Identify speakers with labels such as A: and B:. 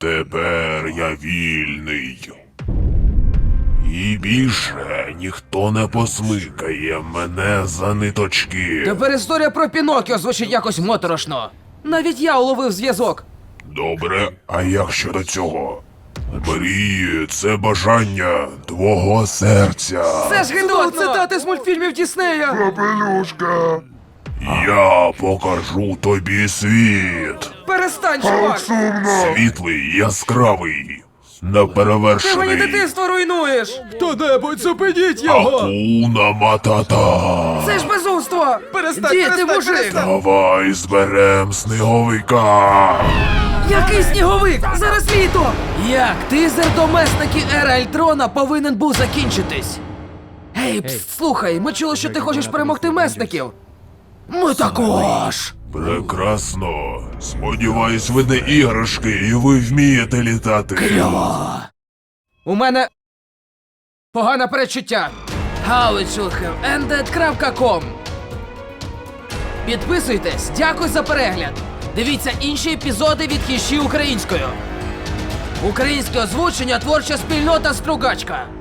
A: Тепер я вільний. І більше ніхто не посмикає мене за ниточки.
B: Тепер історія про Пінокіо звучить якось моторошно. Навіть я уловив зв'язок.
A: Добре, а як щодо цього? Мрії – це бажання твого серця.
B: Це ж гидотно! Цитати з мультфільмів Діснея!
A: Капелюшка. Я покажу тобі світ.
B: Перестань, чувак!
A: Світлий, яскравий,
B: Ти мені
A: неперевершений.
B: дитинство руйнуєш! Хто-небудь зупиніть
A: Акуна Матата.
B: Це ж безумство! Діти, мужик!
A: Давай зберем сніговика.
B: Який сніговик? Зараз літо! Як тизер до месники Ера Ельтрона повинен був закінчитись? Гей, слухай, ми чули, що ти хочеш перемогти месників. Ми також!
A: Прекрасно. Сподіваюсь, ви не іграшки і ви вмієте літати.
B: У мене погане передчуття. howitshouldhaveended.com. Підписуйтесь, дякую за перегляд. Дивіться інші епізоди від Хіші українською. Українське озвучення, творча спільнота Стругачка.